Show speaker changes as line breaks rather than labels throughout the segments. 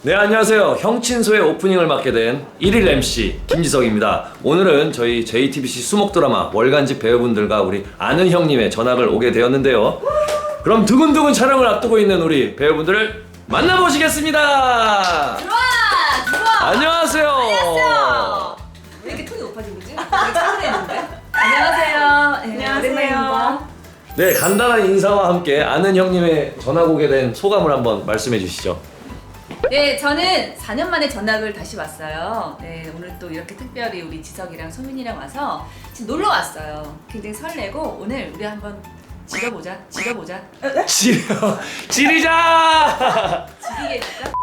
네, 안녕하세요. 형친소의 오프닝을 맡게 된 1일 MC 김지석입니다. 오늘은 저희 JTBC 수목 드라마 월간집 배우분들과 우리 아는 형님의 전학을 오게 되었는데요. 그럼 두근두근 촬영을 앞두고 있는 우리 배우분들을 만나보시겠습니다.
들어와!
안녕하세요.
안녕하세요. 왜 이렇게 톤이 높아진 거지? 되게 차분했는데? 안녕하세요. 네, 오랜만입니다.
네, 간단한 인사와 함께 아는 형님의 전학 오게 된 소감을 한번 말씀해 주시죠.
네, 저는 4년 만에 전학을 다시 왔어요. 네, 오늘 또 이렇게 특별히 우리 지석이랑 소민이랑 와서 지금 놀러 왔어요. 굉장히 설레고 오늘 우리 한번 지려보자.
지리자!
지리게 해줄까?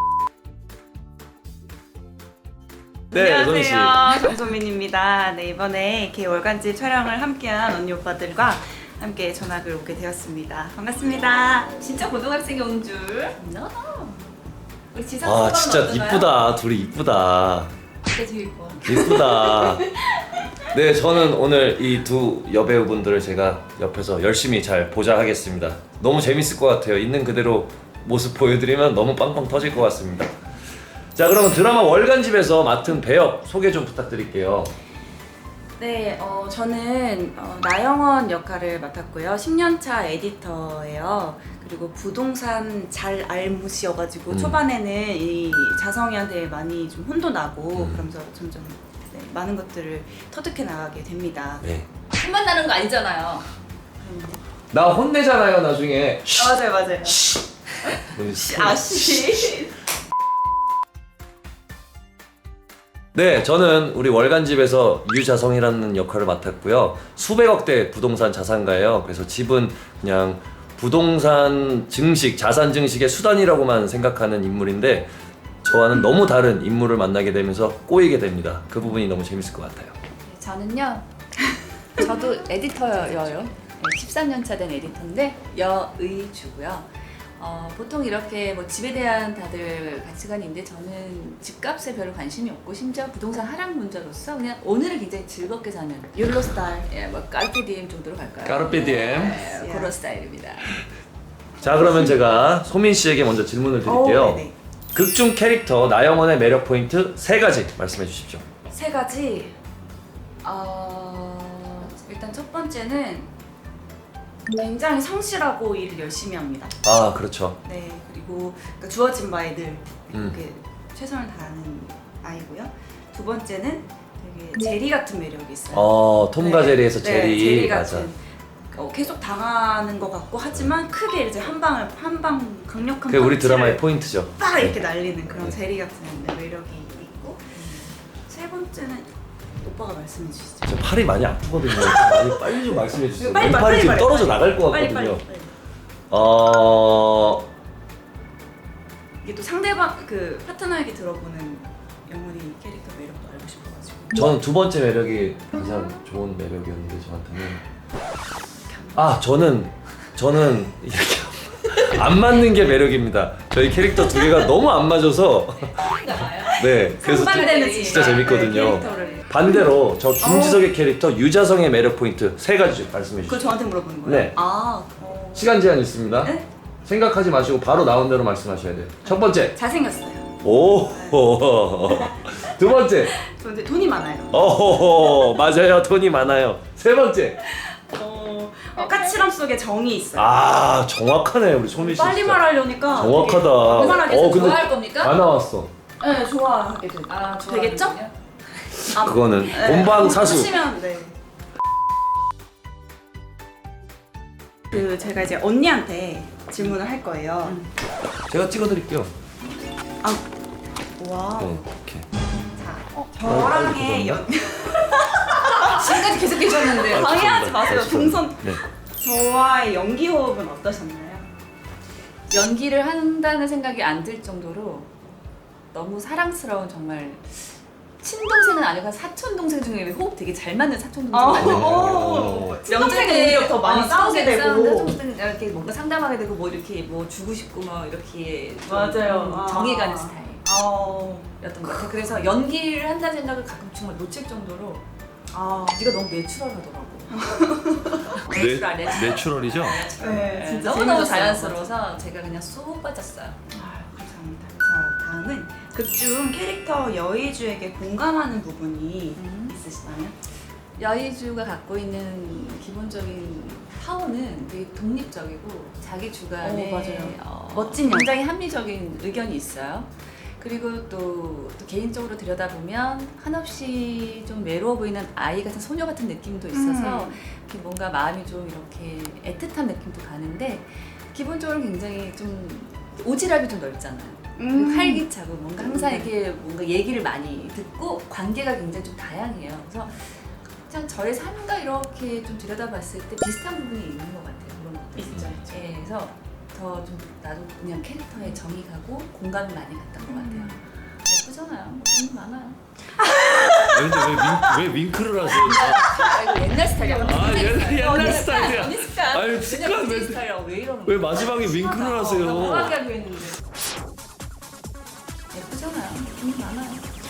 네, 소민 씨.
안녕하세요. 정소민입니다. 네, 이번에 이렇게 월간지 촬영을 함께한 언니 오빠들과 함께 전학을 오게 되었습니다. 반갑습니다.
진짜 고등학생이 온 줄. No. 우리 지석
아,
소감은
진짜
어떤가요?
이쁘다. 둘이 이쁘다.
진짜 제일 이뻐.
이쁘다. 네, 저는 오늘 이 두 여배우분들을 제가 옆에서 열심히 잘 보자 하겠습니다. 너무 재밌을 것 같아요. 있는 그대로 모습 보여드리면 너무 빵빵 터질 것 같습니다. 자, 그러면 드라마 월간집에서 맡은 배역 소개 좀 부탁드릴게요.
네, 저는 나영원 역할을 맡았고요. 10년차 에디터예요. 그리고 부동산 잘 알무시여가지고 초반에는 이 자성이한테 많이 좀 혼도 나고 그러면서 점점 네, 많은 것들을 터득해 나가게 됩니다.
네.
혼만 나는 거 아니잖아요.
나 혼내잖아요, 나중에.
맞아요. 아씨.
네, 저는 우리 월간집에서 유자성이라는 역할을 맡았고요. 수백억대 부동산 자산가예요. 그래서 집은 그냥 부동산 증식, 자산 증식의 수단이라고만 생각하는 인물인데 저와는 너무 다른 인물을 만나게 되면서 꼬이게 됩니다. 그 부분이 너무 재밌을 것 같아요.
저는요. 저도 에디터여요. 13년 차 된 에디터인데 여의주고요. 보통 이렇게 뭐 집에 대한 다들 가치관이 있는데 저는 집값에 별로 관심이 없고 심지어 부동산 하락 문자로서 그냥 오늘을 굉장히 즐겁게 사는
욜로 스타일.
예, 뭐 까르페디엠 정도로 갈까요?
까르페디엠.
네, 그런 스타일입니다.
자, 그러면 제가 소민 씨에게 먼저 질문을 드릴게요.
네네.
극중 캐릭터 나영원의 매력 포인트 3가지 말씀해 주십시오.
3가지. 일단 첫 번째는 굉장히 성실하고 일을 열심히 합니다.
아, 그렇죠.
네, 그리고 그러니까 주어진 바에 늘
음.
이렇게 최선을 다하는 아이고요. 두 번째는 되게 제리 같은 매력이 있어요.
톰과
네,
제리에서
네,
제리.
제리
맞아.
같은 계속 당하는 것 같고 하지만 크게 이제 한 방 강력한
그게 우리
펀치를
드라마의 포인트죠.
딱 이렇게 날리는 그런
네.
제리 같은 매력이 있고 세 번째는 오빠가 말씀해 주시죠.
저 팔이 많이 아프거든요. 빨리 좀 말씀해 주세요.
빨리,
왼팔이
빨리,
지금
빨리,
떨어져
빨리.
나갈 것
빨리.
같거든요.
이게 또 상대방 그 파트너에게 들어보는 영원히 캐릭터 매력도 알고 싶어가지고.
저는 두 번째 매력이 가장 좋은 매력이었는데 저한테는 저는 이렇게 안 맞는 게 매력입니다. 저희 캐릭터 두 개가 너무 안 맞아서 네, 그래서
상반되는
진짜 재밌거든요.
캐릭터를.
반대로 저 김지석의 캐릭터 유자성의 매력 포인트 3가지 말씀해
그걸
주시죠.
저한테 물어보는 거예요?
네. 시간 제한 있습니다.
네?
생각하지 마시고 바로 나온 대로 말씀하셔야 돼요. 첫 번째.
잘생겼어요.
오. 두 번째.
저 이제 돈이 많아요.
맞아요. 돈이 많아요. 세 번째.
까칠함 속에 정이 있어요.
아, 정확하네 우리 소민 씨.
빨리
진짜.
말하려니까
정확하다.
되게 편하게
근데
좋아할 겁니까?
다 나왔어.
네, 좋아하게 되죠. 되겠죠? 아,
그거는
네.
본방사수.
하시면 네. 그 제가 이제 언니한테 질문을 할 거예요.
제가 찍어드릴게요.
와.
네, 이렇게.
자, 저랑의
지금까지 계속 계셨는데
방해하지 마세요. 동선.
네.
저와의 연기 호흡은 어떠셨나요?
연기를 한다는 생각이 안 들 정도로 너무 사랑스러운 정말 친동생은 아니고 사촌 동생 중에 호흡 되게 잘 맞는 사촌 동생 아니에요?
명절에 오히려 더 많이 싸우게 되고.
사촌 이렇게 뭔가 상담하게 되고 뭐 이렇게 뭐 주고 싶고 뭐 이렇게 좀
맞아요.
정해가는 스타일.
어.
였던 것 같아요. 그래서 연기를 한다는 생각을 가끔 정말 놓칠 정도로 네가 너무 내추럴하더라고. 내추럴, 내추럴.
내추럴이죠?
네, 진짜
너무너무
재밌었어요.
자연스러워서 제가 그냥 쏙 빠졌어요.
감사합니다. 자, 다음 극중 캐릭터 여의주에게 공감하는 부분이 있으시나요?
여의주가 갖고 있는 기본적인 파워는 되게 독립적이고 자기 주관에
맞아요. 멋진
굉장히 합리적인 의견이 있어요. 그리고 또 개인적으로 들여다보면 한없이 좀 외로워 보이는 아이 같은 소녀 같은 느낌도 있어서 이렇게 뭔가 마음이 좀 이렇게 애틋한 느낌도 가는데 기본적으로 굉장히 좀 오지랖이 좀 넓잖아요. 그리고 활기차고 뭔가 항상 이렇게 뭔가 얘기를 많이 듣고 관계가 굉장히 좀 다양해요. 그래서 그냥 저의 삶과 이렇게 좀 들여다봤을 때 비슷한 부분이 있는 것 같아요. 그런 것들.
있죠.
예, 그래서 더 좀 나도 그냥 캐릭터에 정이 가고 공감이 많이 갔던 것 같아요. 예쁘잖아요. 뭐 많아요.
근데 왜 윙크를 하세요?
아, 이거 옛날 스타일이야.
옛날 스타일이야.
언니 습관.
아유, 습관
그냥
왜-
언니 스타일이라고 왜 이러는
왜
거야?
마지막에 윙크를
나
하세요?
뭐하게 하려 했는데. 예쁘잖아요. 돈 많아요.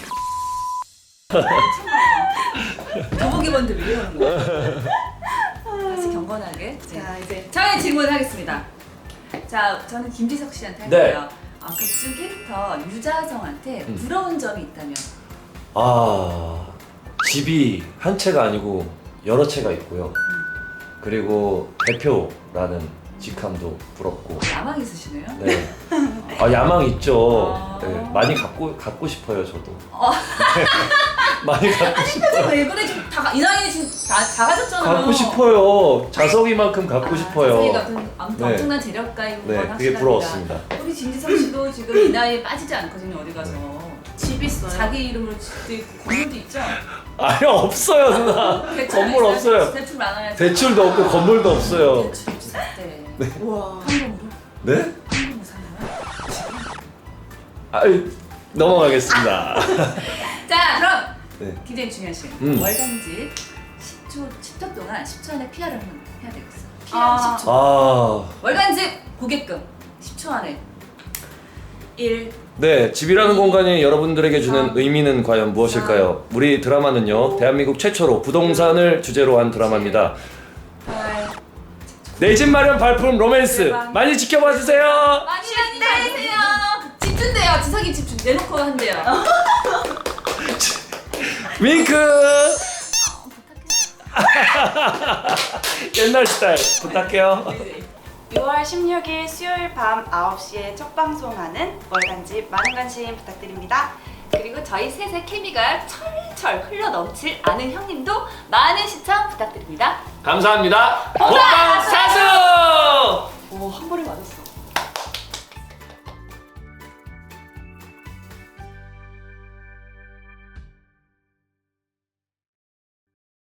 교복 입었는데 왜 이러는 거야? 다시 경건하게.
자, 이제
저의 질문을 하겠습니다. 자, 저는 김지석 씨한테 할
네.
거예요. 극중 캐릭터 유자성한테 부러운 점이 있다면?
아, 집이 한 채가 아니고 여러 채가 있고요. 그리고 대표라는 직함도 부럽고.
야망 있으시네요?
네. 아, 야망 있죠.
아.
네, 많이 갖고 싶어요, 저도. 네, 많이 갖고 싶어요.
왜 그래? 지금 이 나이에 지금 다 가졌잖아요.
갖고 싶어요. 자석이만큼 갖고 싶어요.
자석이가 아무튼
네.
엄청난 재력가인 건
네,
확실합니다.
그게 부러웠습니다.
우리 진지석 씨도 지금 이 나이에 빠지지 않거든요. 어디 가서.
집 있어요.
자기 이름으로 집도 있고 건물도 있죠?
아니, 없어요, 누나.
대출
건물
있어요?
없어요.
대출 많아요.
대출도 없고 건물도 없어요.
대출 있을 때.
우와.
현금으로?
네?
현금으로 사나요?
아유, 넘어가겠습니다.
자, 그럼
네.
굉장히 중요한 시간. 월간지 10초 동안 10초 안에 PR을 한번 해야 되겠어. PR
아.
10초.
아,
월간지 고객금 10초 안에.
1.
네, 집이라는 공간이 여러분들에게 주는 의미는 과연 무엇일까요? 우리 드라마는요, 대한민국 최초로 부동산을 주제로 한 드라마입니다.
8.
내 집 마련 발품 로맨스
대박.
많이 지켜봐 주세요.
많이 해주세요. 집준대요. 지석이 집준 내놓고 한대요.
윙크. 옛날 스타일 부탁해요.
6월 16일 수요일 밤 9시에 첫 방송하는 월간지 많은 관심 부탁드립니다.
그리고 저희 셋의 케미가 철철 흘러 넘칠 아는 형님도 많은 시청 부탁드립니다.
감사합니다. 호빵 사수.
오, 한 번에 맞았어.